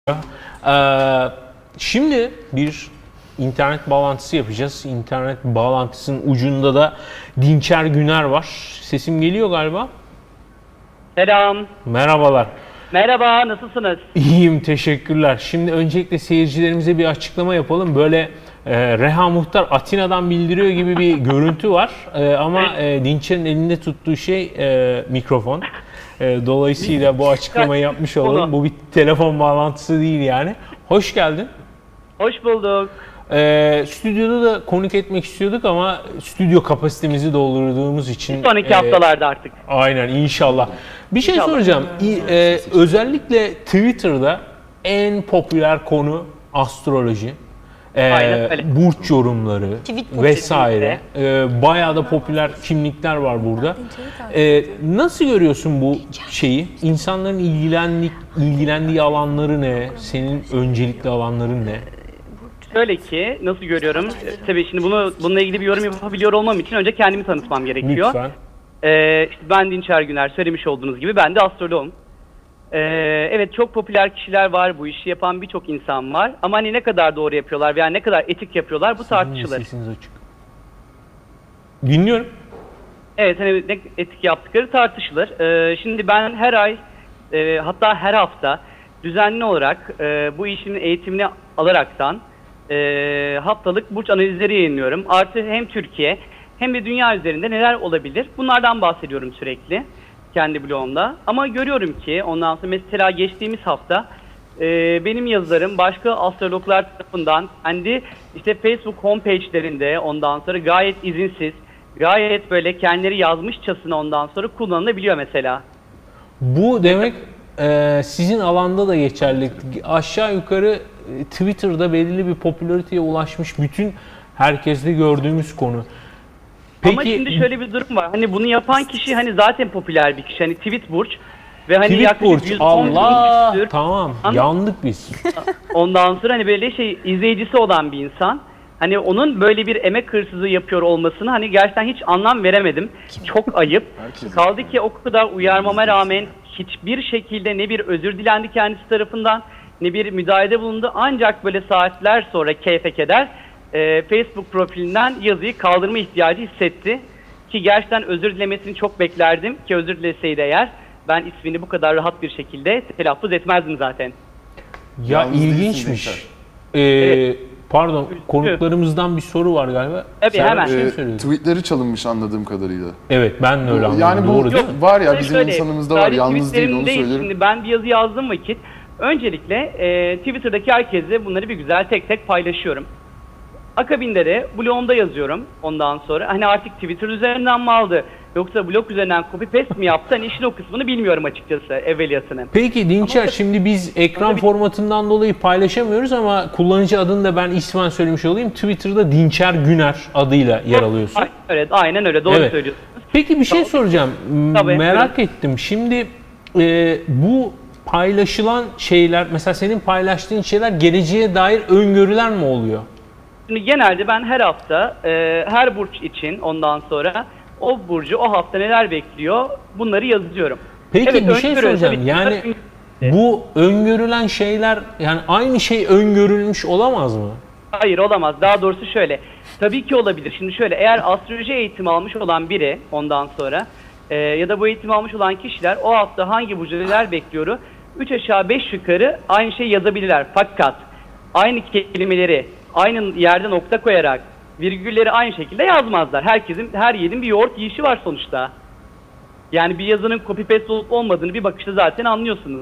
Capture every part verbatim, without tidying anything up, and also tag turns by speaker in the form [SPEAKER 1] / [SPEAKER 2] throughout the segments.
[SPEAKER 1] Ee, şimdi bir internet bağlantısı yapacağız. İnternet bağlantısının ucunda da Dinçer Güner var. Sesim geliyor galiba.
[SPEAKER 2] Selam.
[SPEAKER 1] Merhabalar.
[SPEAKER 2] Merhaba, nasılsınız?
[SPEAKER 1] İyiyim, teşekkürler. Şimdi öncelikle seyircilerimize bir açıklama yapalım. Böyle e, Reha Muhtar Atina'dan bildiriyor gibi bir görüntü var. E, ama e, Dinçer'in elinde tuttuğu şey e, mikrofon. E, dolayısıyla bu açıklamayı yapmış olalım. Bu bir telefon bağlantısı değil yani. Hoş geldin.
[SPEAKER 2] Hoş bulduk.
[SPEAKER 1] E, stüdyoda da konuk etmek istiyorduk ama stüdyo kapasitemizi doldurduğumuz için...
[SPEAKER 2] Sonraki e, haftalarda artık.
[SPEAKER 1] Aynen, inşallah. Bir şey
[SPEAKER 2] İnşallah.
[SPEAKER 1] soracağım. E, özellikle Twitter'da en popüler konu astroloji. E, burç yorumları vesaire. E, bayağı da popüler kimlikler var burada. E, nasıl görüyorsun bu şeyi? İnsanların ilgilendiği, ilgilendiği alanları ne? Senin öncelikli alanların ne?
[SPEAKER 2] Şöyle ki, nasıl görüyorum? E, tabii şimdi bunu bununla ilgili bir yorum yapabiliyor olmam için önce kendimi tanıtmam gerekiyor.
[SPEAKER 1] Lütfen.
[SPEAKER 2] E, işte ben Dinçer Güner, söylemiş olduğunuz gibi ben de astroloğum. Ee, evet, çok popüler kişiler var, bu işi yapan birçok insan var ama hani ne kadar doğru yapıyorlar veya ne kadar etik yapıyorlar bu tartışılır.
[SPEAKER 1] Sesiniz açık. Dinliyorum.
[SPEAKER 2] Evet, hani ne etik yaptıkları tartışılır. Ee, şimdi ben her ay e, hatta her hafta düzenli olarak e, bu işin eğitimini alaraktan e, haftalık burç analizleri yayınlıyorum. Artı hem Türkiye hem de dünya üzerinde neler olabilir bunlardan bahsediyorum sürekli kendi blogumda. Ama görüyorum ki ondan sonra mesela geçtiğimiz hafta e, benim yazılarım başka astrologlar tarafından kendi işte Facebook homepage'lerinde ondan sonra gayet izinsiz, gayet böyle kendileri yazmışçasına ondan sonra kullanılabiliyor mesela.
[SPEAKER 1] Bu demek e, sizin alanda da geçerli. Aşağı yukarı e, Twitter'da belirli bir popülariteye ulaşmış bütün herkeste gördüğümüz konu.
[SPEAKER 2] Peki, ama şimdi şöyle bir durum var. Hani bunu yapan kişi hani zaten popüler bir kişi. Hani tweet burç ve hani
[SPEAKER 1] tweet
[SPEAKER 2] yaklaşık
[SPEAKER 1] burç.
[SPEAKER 2] yüz on
[SPEAKER 1] Allah
[SPEAKER 2] küsür,
[SPEAKER 1] tamam
[SPEAKER 2] an,
[SPEAKER 1] yandık biz.
[SPEAKER 2] Ondan sonra hani böyle şey izleyicisi olan bir insan. Hani onun böyle bir emek hırsızı yapıyor olmasını hani gerçekten hiç anlam veremedim. Çok ayıp. Kaldı ki o kadar uyarmama rağmen hiçbir şekilde ne bir özür dilendi kendisi tarafından ne bir müdahalede bulundu. Ancak böyle saatler sonra keyfe keder e, Facebook profilinden yazıyı kaldırma ihtiyacı hissetti. Ki gerçekten özür dilemesini çok beklerdim ki özür dileseydi eğer ben ismini bu kadar rahat bir şekilde telaffuz etmezdim zaten.
[SPEAKER 1] Ya yalnız ilginçmiş. Ee, evet. Pardon, konuklarımızdan bir soru var galiba.
[SPEAKER 2] Tabii
[SPEAKER 1] Sen
[SPEAKER 2] hemen.
[SPEAKER 1] Şey
[SPEAKER 3] e, tweetleri çalınmış anladığım kadarıyla.
[SPEAKER 1] Evet, ben de öyle anladım.
[SPEAKER 3] Yani bu
[SPEAKER 1] doğru değil mi?
[SPEAKER 3] Var ya bizim
[SPEAKER 2] Şöyle,
[SPEAKER 3] insanımızda var, yalnız değil, onu söylüyorum.
[SPEAKER 2] Şimdi ben bir yazı yazdığım vakit öncelikle e, Twitter'daki herkese bunları bir güzel tek tek paylaşıyorum. Akabinde de blogumda yazıyorum ondan sonra. Hani artık Twitter üzerinden mi aldı yoksa blog üzerinden copy paste mi yaptı? Hani işin o kısmını bilmiyorum açıkçası, evveliyatını.
[SPEAKER 1] Peki Dinçer, ama şimdi biz ekran
[SPEAKER 2] bir...
[SPEAKER 1] formatından dolayı paylaşamıyoruz ama kullanıcı adını da ben ismen söylemiş olayım. Twitter'da Dinçer Güner adıyla yer alıyorsun.
[SPEAKER 2] Evet, aynen öyle, doğru evet. söylüyorsunuz.
[SPEAKER 1] Peki bir şey
[SPEAKER 2] tamam.
[SPEAKER 1] soracağım.
[SPEAKER 2] Tabii,
[SPEAKER 1] Merak
[SPEAKER 2] buyurun.
[SPEAKER 1] ettim. Şimdi e, bu paylaşılan şeyler, mesela senin paylaştığın şeyler geleceğe dair öngörüler mi oluyor?
[SPEAKER 2] Şimdi genelde ben her hafta e, her burç için ondan sonra o burcu o hafta neler bekliyor bunları yazıyorum.
[SPEAKER 1] Peki
[SPEAKER 2] evet,
[SPEAKER 1] bir şey soracağım. Yani bu öngörülen şeyler, yani aynı şey öngörülmüş olamaz mı?
[SPEAKER 2] Hayır, olamaz. Daha doğrusu şöyle. Tabii ki olabilir. Şimdi şöyle, eğer astroloji eğitimi almış olan biri ondan sonra e, ya da bu eğitimi almış olan kişiler o hafta hangi burcu neler bekliyoru üç aşağı beş yukarı aynı şeyi yazabilirler. Fakat aynı kelimeleri aynı yerde nokta koyarak virgülleri aynı şekilde yazmazlar. Herkesin, her yerin bir yoğurt yiyişi var sonuçta. Yani bir yazının copy paste olup olmadığını bir bakışta zaten anlıyorsunuz.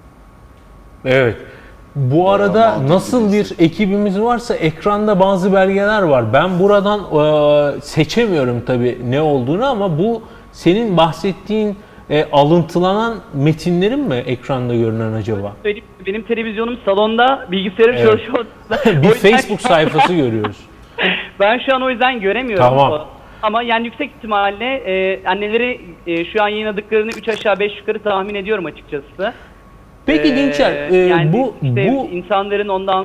[SPEAKER 1] Evet. Bu arada nasıl bir ekibimiz varsa ekranda bazı belgeler var. Ben buradan e, seçemiyorum tabii ne olduğunu ama bu senin bahsettiğin e, alıntılanan metinlerin mi ekranda görünen acaba?
[SPEAKER 2] Benim televizyonum salonda, bilgisayarım evet. çalışıyor.
[SPEAKER 1] Bir Facebook sayfası görüyoruz.
[SPEAKER 2] Ben şu an o yüzden göremiyorum.
[SPEAKER 1] Tamam.
[SPEAKER 2] Ama yani yüksek ihtimalle e, anneleri e, şu an yayınladıklarını üç aşağı beş yukarı tahmin ediyorum açıkçası.
[SPEAKER 1] Peki ee, Dinçer, e,
[SPEAKER 2] yani
[SPEAKER 1] bu,
[SPEAKER 2] işte
[SPEAKER 1] bu...
[SPEAKER 2] insanların ondan...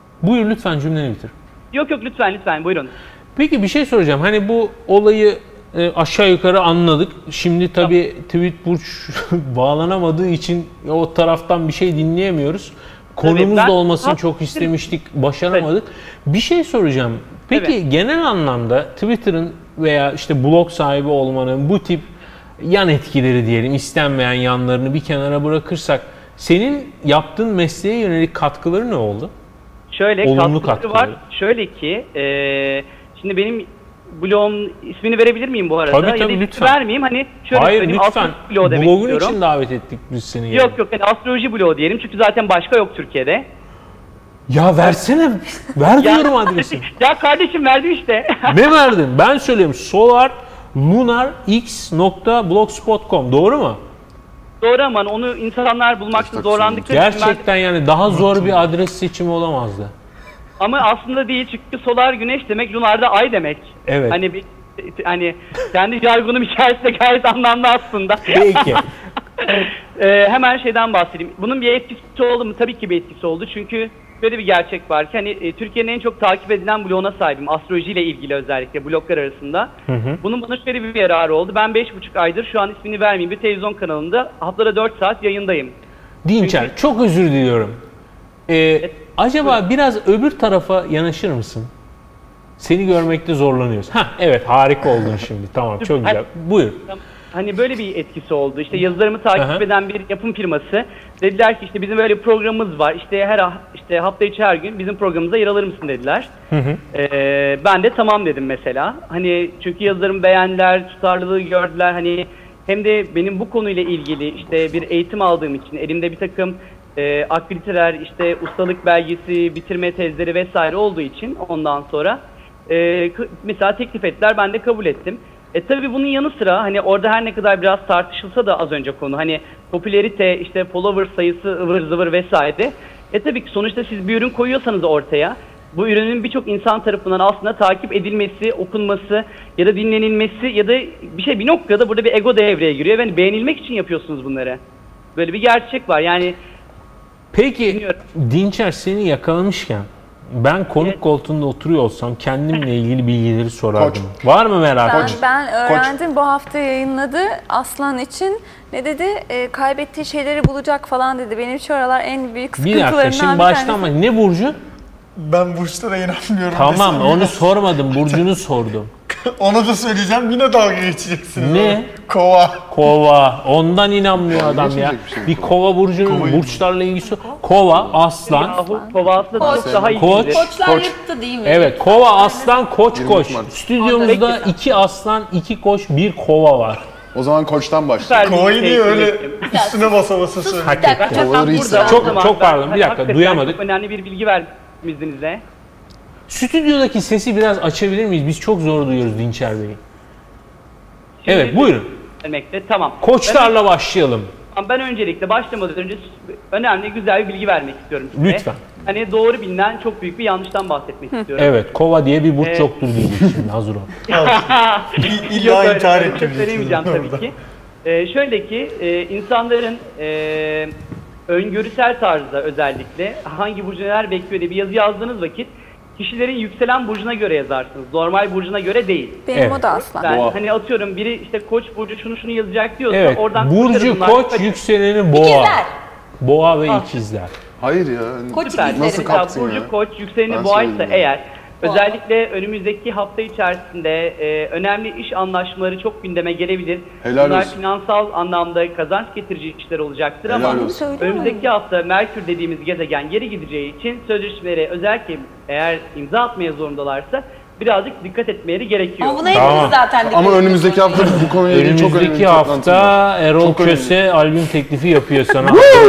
[SPEAKER 1] Buyur lütfen, cümleni bitir.
[SPEAKER 2] Yok yok, lütfen lütfen buyurun.
[SPEAKER 1] Peki bir şey soracağım. Hani bu olayı e, aşağı yukarı anladık. Şimdi tabii tweet burç bağlanamadığı için o taraftan bir şey dinleyemiyoruz. Konumuz
[SPEAKER 2] ben,
[SPEAKER 1] da olmasını
[SPEAKER 2] ha,
[SPEAKER 1] çok istemiştik, başaramadık. Bir şey soracağım. Peki evet. genel anlamda Twitter'ın veya işte blog sahibi olmanın bu tip yan etkileri diyelim, istenmeyen yanlarını bir kenara bırakırsak senin yaptığın mesleğe yönelik katkıları ne oldu?
[SPEAKER 2] Şöyle
[SPEAKER 1] Olumlu
[SPEAKER 2] katkıları var. Şöyle ki e, şimdi benim blogun ismini verebilir miyim bu arada?
[SPEAKER 1] Tabii tabii
[SPEAKER 2] ya
[SPEAKER 1] lütfen.
[SPEAKER 2] Vermeyeyim hani şöyle
[SPEAKER 1] Hayır
[SPEAKER 2] söyleyeyim.
[SPEAKER 1] lütfen. Blogun için davet ettik biz seni. Yani.
[SPEAKER 2] Yok yok yani astroloji bloğu diyelim çünkü zaten başka yok Türkiye'de.
[SPEAKER 1] Ya versene. Ver diyorum adresi.
[SPEAKER 2] Ya kardeşim verdim işte.
[SPEAKER 1] Ne verdin? Ben söyleyeyim. solar lunar x nokta blogspot nokta com doğru mu?
[SPEAKER 2] Doğru ama onu insanlar bulmakta zorlandıkları
[SPEAKER 1] için gerçekten ben... yani daha zor bir adres seçimi olamazdı.
[SPEAKER 2] Ama aslında değil çünkü solar güneş demek, lunar da ay demek.
[SPEAKER 1] Evet.
[SPEAKER 2] Hani bir hani kendi jargonum içerisinde gayet anlamlı aslında.
[SPEAKER 1] Peki.
[SPEAKER 2] ee, hemen şeyden bahsedeyim. Bunun bir etkisi oldu mu? Tabii ki bir etkisi oldu. Çünkü böyle bir gerçek var ki hani e, Türkiye'nin en çok takip edilen bloğuna sahibim. Astrolojiyle ilgili özellikle bloglar arasında. Hı hı. Bunun bana şöyle bir yararı oldu. Ben beş buçuk aydır şu an ismini vermeyeyim bir televizyon kanalında haftada dört saat yayındayım.
[SPEAKER 1] Dinçer Çünkü... çok özür diliyorum. Ee, evet. Acaba evet. biraz öbür tarafa yanaşır mısın? Seni görmekte zorlanıyoruz. Hah evet harika oldun şimdi. Tamam çok güzel. Buyur.
[SPEAKER 2] Hani böyle bir etkisi oldu. İşte yazılarımı takip Aha. eden bir yapım firması dediler ki işte bizim böyle bir programımız var. İşte her işte hafta içi her gün bizim programımıza yer alır mısın dediler. Hı hı. Ee, ben de tamam dedim mesela. Hani çünkü yazılarımı beğendiler, tutarlılığı gördüler. Hani hem de benim bu konuyla ilgili işte bir eğitim aldığım için elimde bir takım e, aktiviteler, işte ustalık belgesi, bitirme tezleri vesaire olduğu için ondan sonra e, mesela teklif ettiler. Ben de kabul ettim. E tabii bunun yanı sıra hani orada her ne kadar biraz tartışılsa da az önce konu hani popülerite işte follower sayısı ıvır zıvır vesaire. E tabii ki sonuçta siz bir ürün koyuyorsanız ortaya bu ürünün birçok insan tarafından aslında takip edilmesi, okunması ya da dinlenilmesi ya da bir şey bir noktada burada bir ego devreye giriyor. Yani beğenilmek için yapıyorsunuz bunları. Böyle bir gerçek var yani.
[SPEAKER 1] Peki bilmiyorum. Dinçer seni yakalamışken ben konuk evet. koltuğunda oturuyor olsam kendimle ilgili bilgileri sorardım. Koç. Var mı merak?
[SPEAKER 4] Ben,
[SPEAKER 1] Koç.
[SPEAKER 4] ben öğrendim Koç. Bu hafta yayınladı Aslan için. Ne dedi? E, kaybettiği şeyleri bulacak falan dedi. Benim şu aralar en büyük sıkıntılarımdan bir
[SPEAKER 1] dakika şimdi baştan mı? Ne burcu?
[SPEAKER 5] Ben burçlara inanmıyorum.
[SPEAKER 1] Tamam onu ya. sormadım. Burcunu sordum.
[SPEAKER 5] Onu da söyleyeceğim yine dalga geçeceksiniz.
[SPEAKER 1] Ne?
[SPEAKER 5] Abi. Kova.
[SPEAKER 1] Kova. Ondan inanmıyor adam ya. Bir, şey bir kova burcunun Kovayı burçlarla ilgisi. Kova, aslan.
[SPEAKER 2] Yahu, kova aslan
[SPEAKER 4] koç.
[SPEAKER 2] daha iyi.
[SPEAKER 4] Koç. Koçlar koç. Yıktı değil mi?
[SPEAKER 1] Evet kova, aslan, koç, koç. Stüdyomuzda iki aslan, iki koç, bir kova var.
[SPEAKER 3] O zaman koçtan başlayalım.
[SPEAKER 5] Kovayı niye öyle üstüne basa basa
[SPEAKER 1] söylüyor? Çok, çok pardon bir dakika duyamadık.
[SPEAKER 2] Çok önemli bir bilgi verdim izninizle.
[SPEAKER 1] Stüdyodaki sesi biraz açabilir miyiz? Biz çok zor duyuyoruz Dinçer Bey'i. Evet buyurun.
[SPEAKER 2] Demekte, tamam.
[SPEAKER 1] Koçlarla ben, başlayalım.
[SPEAKER 2] Ben öncelikle başlamadan önce önemli güzel bir bilgi vermek istiyorum size.
[SPEAKER 1] Lütfen.
[SPEAKER 2] Hani doğru bilinen çok büyük bir yanlıştan bahsetmek istiyorum.
[SPEAKER 1] Evet kova diye bir burç ee, yoktur diyeceğim şimdi hazır ol.
[SPEAKER 5] İlla intihar ettim.
[SPEAKER 2] Söylemeyeceğim tabii ki. Ee, şöyle ki e, insanların e, öngörüsel tarzda özellikle hangi burcu neler bekliyor diye bir yazı yazdığınız vakit kişilerin yükselen burcuna göre yazarsınız. Normal burcuna göre değil.
[SPEAKER 4] Benim evet. o da aslan.
[SPEAKER 2] Ben, hani atıyorum biri işte koç burcu şunu şunu yazacak diyorsa
[SPEAKER 1] evet.
[SPEAKER 2] oradan
[SPEAKER 1] burcu koç yükseleni boğa. İkizler. Boğa ve ah. ikizler.
[SPEAKER 3] Hayır ya.
[SPEAKER 4] Koç
[SPEAKER 2] Süper.
[SPEAKER 3] Nasıl kaptın
[SPEAKER 2] burcu
[SPEAKER 3] ya?
[SPEAKER 2] koç yükseleni boğaysa eğer özellikle önümüzdeki hafta içerisinde e, önemli iş anlaşmaları çok gündeme gelebilir.
[SPEAKER 3] Helal
[SPEAKER 2] Bunlar
[SPEAKER 3] olsun.
[SPEAKER 2] finansal anlamda kazanç getirici işler olacaktır. Helal ama olsun. Önümüzdeki hafta Merkür dediğimiz gezegen geri gideceği için sözleşmeleri özellikle eğer imza atmaya zorundalarsa birazcık dikkat etmeleri gerekiyor.
[SPEAKER 4] Ama buna hepimiz tamam. zaten
[SPEAKER 3] Ama önümüzdeki hafta bu konuya ilgili çok önemli
[SPEAKER 1] önümüzdeki hafta Erol Köse albüm teklifi yapıyor sana.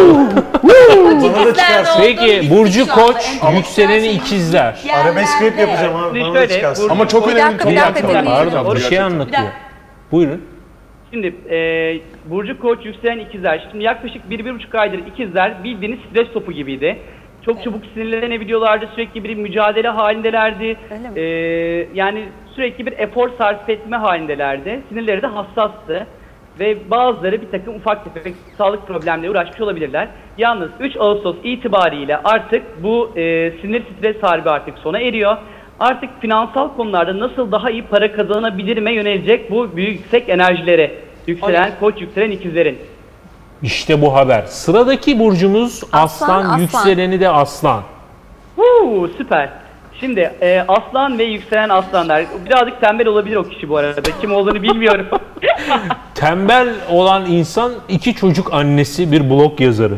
[SPEAKER 1] Peki Burcu Koç, yükseleni ikizler.
[SPEAKER 5] Arabesk rap yapacağım abi. Bana da çıkarsın.
[SPEAKER 3] Ama çok önemli bir
[SPEAKER 1] konu. Pardon bir şey anlatıyor. Buyurun.
[SPEAKER 2] Şimdi e, Burcu Koç, yükselen ikizler. Şimdi yaklaşık bir bir buçuk aydır ikizler bildiğiniz stres topu gibiydi. Çok çabuk sinirlenebiliyorlardı, sürekli bir mücadele halindelerdi. Ee, yani sürekli bir efor sarf etme halindelerdi. Sinirleri de hassastı. Ve bazıları bir takım ufak tefek sağlık problemleriyle uğraşmış olabilirler. Yalnız üç Ağustos itibariyle artık bu e, sinir stres harbi artık sona eriyor. artık finansal konularda nasıl daha iyi para kazanabilirime yönelecek bu büyük yüksek enerjilere yükselen koç, yükselen ikizlerin.
[SPEAKER 1] İşte bu haber. Sıradaki burcumuz aslan,
[SPEAKER 4] Aslan, aslan.
[SPEAKER 1] yükseleni de aslan.
[SPEAKER 2] Huu, süper. Şimdi e, aslan ve yükselen aslanlar. Birazcık tembel olabilir o kişi bu arada. Kim olduğunu bilmiyorum.
[SPEAKER 1] Tembel olan insan iki çocuk annesi, bir blog yazarı.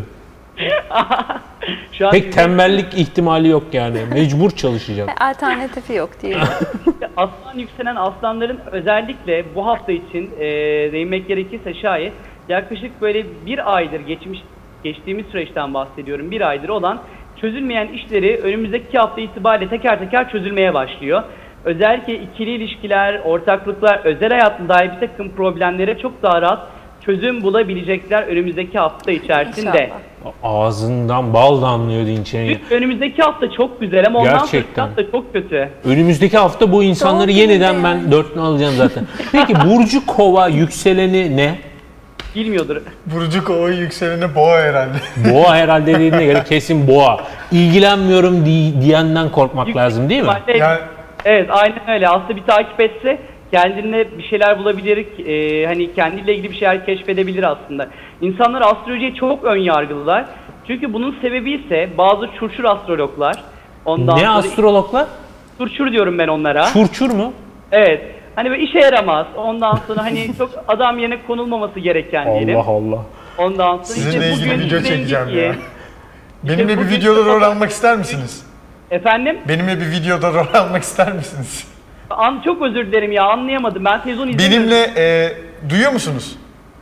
[SPEAKER 2] Şu an
[SPEAKER 1] Pek tembellik ihtimali yok yani. Mecbur çalışacak.
[SPEAKER 4] Alternatifi yok diye.
[SPEAKER 2] aslan yükselen aslanların özellikle bu hafta için e, değinmek gerekirse şayet yaklaşık böyle bir aydır geçmiş geçtiğimiz süreçten bahsediyorum. Bir aydır olan çözülmeyen işleri önümüzdeki hafta itibariyle teker teker çözülmeye başlıyor. Özellikle ikili ilişkiler, ortaklıklar, özel hayatında dair bir takım problemlere çok daha rahat çözüm bulabilecekler önümüzdeki hafta içerisinde.
[SPEAKER 4] İnşallah.
[SPEAKER 1] Ağzından bal damlıyor Dinçen'in.
[SPEAKER 2] Önümüzdeki hafta çok güzel ama ondan sonraki
[SPEAKER 1] Gerçekten.
[SPEAKER 2] hafta çok kötü.
[SPEAKER 1] Önümüzdeki hafta bu insanları
[SPEAKER 4] Doğru
[SPEAKER 1] yeniden
[SPEAKER 4] yani.
[SPEAKER 1] ben dörtlü alacağım zaten. Peki Burcu Kova yükseleni ne?
[SPEAKER 2] Bilmiyordur.
[SPEAKER 5] Burcu Kova yükseleni boğa herhalde.
[SPEAKER 1] Boğa herhalde dediğine göre kesin boğa. İlgilenmiyorum di- diyenden korkmak lazım değil mi?
[SPEAKER 2] Evet,
[SPEAKER 5] Yani
[SPEAKER 2] evet, aynen öyle. Aslında bir takip etse kendine bir şeyler bulabilir, e, hani kendiyle ilgili bir şeyler keşfedebilir aslında. İnsanlar astrolojiye çok ön yargılılar. Çünkü bunun sebebi ise bazı çurçur astrologlar. Ondan
[SPEAKER 1] Ne
[SPEAKER 2] sonra
[SPEAKER 1] astrologlar?
[SPEAKER 2] çurçur diyorum ben onlara.
[SPEAKER 1] Çurçur mu?
[SPEAKER 2] Evet. Hani böyle işe yaramaz. Ondan sonra hani çok adam yerine konulmaması gereken diyelim.
[SPEAKER 1] Allah Allah.
[SPEAKER 2] Ondan sonra
[SPEAKER 5] sizinle
[SPEAKER 2] işte
[SPEAKER 5] ilgili
[SPEAKER 2] bugün
[SPEAKER 5] video
[SPEAKER 2] rengi
[SPEAKER 5] çekeceğim
[SPEAKER 2] giyin.
[SPEAKER 5] ya. Benimle bir
[SPEAKER 2] bugün-
[SPEAKER 5] videoda rol almak ister misiniz?
[SPEAKER 2] Efendim?
[SPEAKER 5] Benimle bir videoda rol almak ister misiniz?
[SPEAKER 2] An çok özür dilerim ya, anlayamadım. Ben sezon izlemiyorum.
[SPEAKER 5] Benimle e, duyuyor musunuz?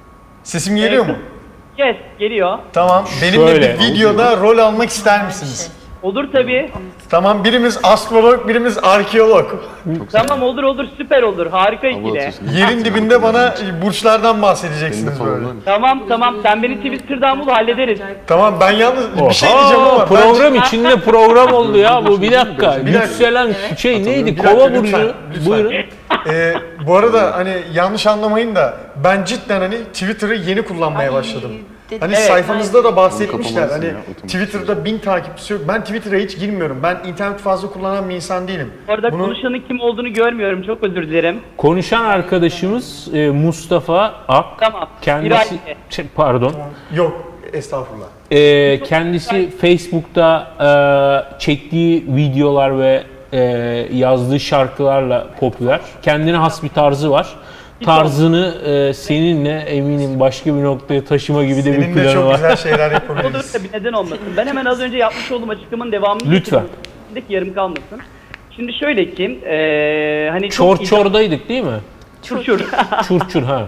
[SPEAKER 5] Sesim geliyor mu?
[SPEAKER 2] Yes, geliyor.
[SPEAKER 5] Tamam. Benimle
[SPEAKER 1] Şöyle.
[SPEAKER 5] bir videoda rol almak ister misiniz?
[SPEAKER 2] Olur tabii.
[SPEAKER 5] Tamam, birimiz astrolog, birimiz arkeolog.
[SPEAKER 2] Tamam, olur olur, süper olur. Harika ikili.
[SPEAKER 5] Yerin dibinde bana burçlardan bahsedeceksiniz böyle.
[SPEAKER 2] Tamam tamam, sen beni Twitter'dan bul, hallederiz.
[SPEAKER 5] Tamam, ben yalnız bir şey
[SPEAKER 1] Oha,
[SPEAKER 5] diyeceğim ama
[SPEAKER 1] program
[SPEAKER 5] bence-
[SPEAKER 1] içinde program oldu ya bu. Bir dakika.
[SPEAKER 5] Bir dakika.
[SPEAKER 1] Yükselen şey neydi?
[SPEAKER 5] Bir dakika,
[SPEAKER 1] Kova
[SPEAKER 5] lütfen,
[SPEAKER 1] burcu.
[SPEAKER 5] lütfen.
[SPEAKER 1] Buyurun.
[SPEAKER 5] Ee, bu arada hani yanlış anlamayın da ben cidden hani Twitter'ı yeni kullanmaya başladım. Hani
[SPEAKER 2] Evet.
[SPEAKER 5] sayfanızda da bahsetmişler
[SPEAKER 3] Kapamalısın
[SPEAKER 5] hani
[SPEAKER 3] ya, otomatik.
[SPEAKER 5] Twitter'da bin takipçisi yok. Ben Twitter'a hiç girmiyorum. Ben internet fazla kullanan bir insan değilim.
[SPEAKER 2] Bu arada
[SPEAKER 5] Bunu-
[SPEAKER 2] konuşanın kim olduğunu görmüyorum, çok özür dilerim.
[SPEAKER 1] Konuşan arkadaşımız e, Mustafa Ak.
[SPEAKER 2] Tamam.
[SPEAKER 1] Kendisi
[SPEAKER 2] İrade.
[SPEAKER 1] şey, pardon.
[SPEAKER 5] Yok, estağfurullah.
[SPEAKER 1] E, kendisi Facebook'ta e, çektiği videolar ve e, yazdığı şarkılarla popüler. Kendine has bir tarzı var. Tarzını e, seninle eminim başka bir noktaya taşıma gibi de bir
[SPEAKER 5] Seninle
[SPEAKER 1] planı
[SPEAKER 5] çok
[SPEAKER 1] var.
[SPEAKER 5] güzel şeyler
[SPEAKER 2] Olur
[SPEAKER 5] yapabiliriz.
[SPEAKER 2] tabii, neden olmasın. Ben hemen az önce yapmış olduğum açıklamanın devamını
[SPEAKER 1] Lütfen.
[SPEAKER 2] getireyim. Yarım kalmasın. Şimdi şöyle ki, eee hani çok
[SPEAKER 1] Çor çordaydık değil mi?
[SPEAKER 2] çurçur.
[SPEAKER 1] Çurçur ha.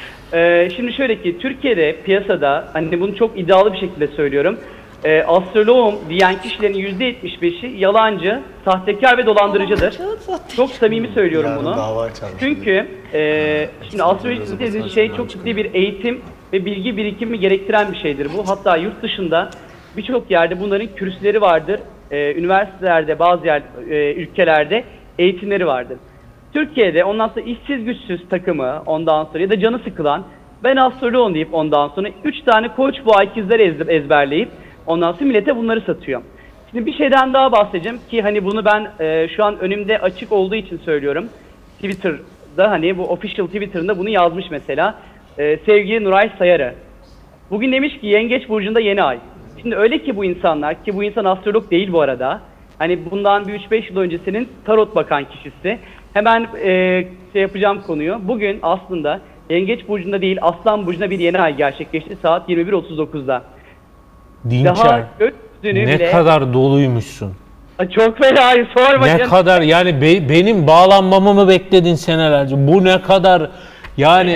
[SPEAKER 2] Eee şimdi şöyle ki, Türkiye'de piyasada, hani bunu çok iddialı bir şekilde söylüyorum. Eee astroloğum diyen kişilerin yüzde yetmiş beşi yalancı, sahtekar ve dolandırıcıdır. Çok samimi söylüyorum
[SPEAKER 5] Yarın
[SPEAKER 2] bunu.
[SPEAKER 5] dava açarım.
[SPEAKER 2] Çünkü eee şimdi astroloji dediğiniz şey çok ciddi bir eğitim ve bilgi birikimi gerektiren bir şeydir bu. Hatta yurt dışında birçok yerde bunların kürsüleri vardır. Eee, üniversitelerde, bazı yer, eee, ülkelerde eğitimleri vardır. Türkiye'de ondan sonra işsiz güçsüz takımı, ondan sonra ya da canı sıkılan ben astroloğum deyip ondan sonra üç tane koç boğa ikizleri ez- ezberleyip ondan sonra millete bunları satıyor. Şimdi bir şeyden daha bahsedeceğim ki hani bunu ben eee, şu an önümde açık olduğu için söylüyorum. Twitter'da hani bu official Twitter'ında bunu yazmış mesela. Eee, sevgili Nuray Sayarı. Bugün demiş ki Yengeç Burcu'nda yeni ay. Şimdi öyle ki bu insanlar, ki bu insan astrolog değil bu arada. Hani bundan bir üç beş yıl öncesinin tarot bakan kişisi. Hemen eee, şey yapacağım konuyu. Bugün aslında Yengeç Burcu'nda değil Aslan Burcu'nda bir yeni ay gerçekleşti saat yirmi bir otuz dokuzda.
[SPEAKER 1] Dinçer.
[SPEAKER 2] Daha gökyüzünü
[SPEAKER 1] Ne
[SPEAKER 2] bile...
[SPEAKER 1] kadar doluymuşsun.
[SPEAKER 2] Aa, çok fena, sorma
[SPEAKER 1] Ne
[SPEAKER 2] canım.
[SPEAKER 1] kadar yani be- benim bağlanmamı mı bekledin senelerce? Bu ne kadar yani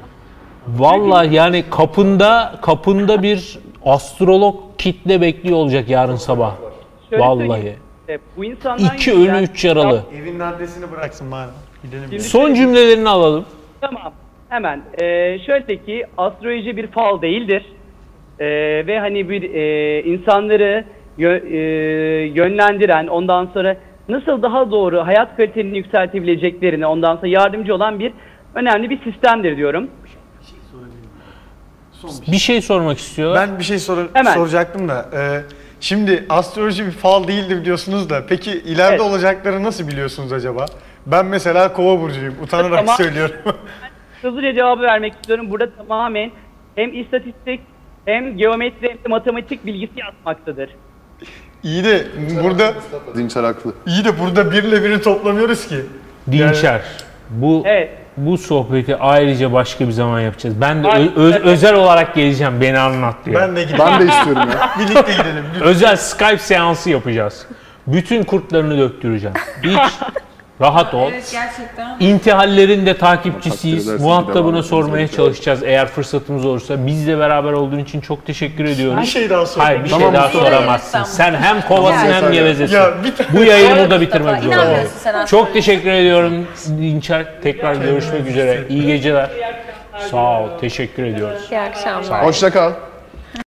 [SPEAKER 1] vallahi yani kapında kapında bir astrolog kitle bekliyor olacak yarın sabah.
[SPEAKER 2] Şöyle
[SPEAKER 1] Vallahi.
[SPEAKER 2] söyleyeyim, e, bu insanlar
[SPEAKER 1] İki ölü üç yaralı.
[SPEAKER 5] Evinin adresini bıraksın bana. Gidelim.
[SPEAKER 2] Şimdi
[SPEAKER 1] Son
[SPEAKER 2] şöyle-
[SPEAKER 1] cümlelerini alalım.
[SPEAKER 2] Tamam. Hemen. Ee, şöyle ki astroloji bir fal değildir. Ee, ve hani bir e, insanları yö- e, yönlendiren, ondan sonra nasıl daha doğru hayat kalitelerini yükseltebileceklerini, ondan sonra yardımcı olan bir önemli bir sistemdir diyorum.
[SPEAKER 1] Bir şey sormak istiyorlar.
[SPEAKER 5] Ben bir şey sor-
[SPEAKER 2] Hemen.
[SPEAKER 5] soracaktım da. e, Şimdi astroloji bir fal değildir diyorsunuz da peki ileride
[SPEAKER 2] Evet.
[SPEAKER 5] olacakları nasıl biliyorsunuz acaba? Ben mesela Kova burcuyum. Utanarak
[SPEAKER 2] Tamam.
[SPEAKER 5] söylüyorum.
[SPEAKER 2] Hızlıca cevabı vermek istiyorum. Burada tamamen hem istatistik hem geometri hem de matematik bilgisi yazmaktadır.
[SPEAKER 5] İyi de burada
[SPEAKER 3] Dinçer haklı.
[SPEAKER 5] iyi de burada birle biri toplamıyoruz ki.
[SPEAKER 1] Dinçer. Bu
[SPEAKER 2] Evet.
[SPEAKER 1] bu sohbeti ayrıca başka bir zaman yapacağız. Ben de
[SPEAKER 2] Aynen.
[SPEAKER 1] ö- öz- özel olarak geleceğim. Beni anlat diye.
[SPEAKER 5] Ben de gideyim.
[SPEAKER 3] Ben de istiyorum ya.
[SPEAKER 5] Birlikte gidelim. lütfen.
[SPEAKER 1] Özel Skype seansı yapacağız. Bütün kurtlarını döktüreceğim. Hiç rahat ol.
[SPEAKER 4] gerçekten.
[SPEAKER 1] İntihallerin de
[SPEAKER 3] Takdir
[SPEAKER 1] takipçisiyiz.
[SPEAKER 3] edersin,
[SPEAKER 1] Muhatabına
[SPEAKER 3] devam
[SPEAKER 1] sormaya
[SPEAKER 3] ederiz.
[SPEAKER 1] çalışacağız eğer fırsatımız olursa. Bizle beraber olduğun için çok teşekkür ediyoruz.
[SPEAKER 5] Bir şey daha sorayım.
[SPEAKER 1] Hayır bir
[SPEAKER 3] Tamam,
[SPEAKER 1] şey daha
[SPEAKER 3] Mustafa.
[SPEAKER 1] soramazsın. Sen hem kovasın
[SPEAKER 3] Tamam,
[SPEAKER 1] hem
[SPEAKER 3] Mustafa.
[SPEAKER 1] gevezesin.
[SPEAKER 5] Ya bir tane-
[SPEAKER 1] Bu yayını burada
[SPEAKER 4] Mustafa,
[SPEAKER 1] bitirmek zorundayız.
[SPEAKER 4] inanmıyorsun sen aslında.
[SPEAKER 1] Çok teşekkür ediyorum Dinçer. Tekrar görüşmek üzere. İyi geceler. Sağ ol. Teşekkür ediyoruz.
[SPEAKER 4] İyi akşamlar.
[SPEAKER 3] Hoşça kal.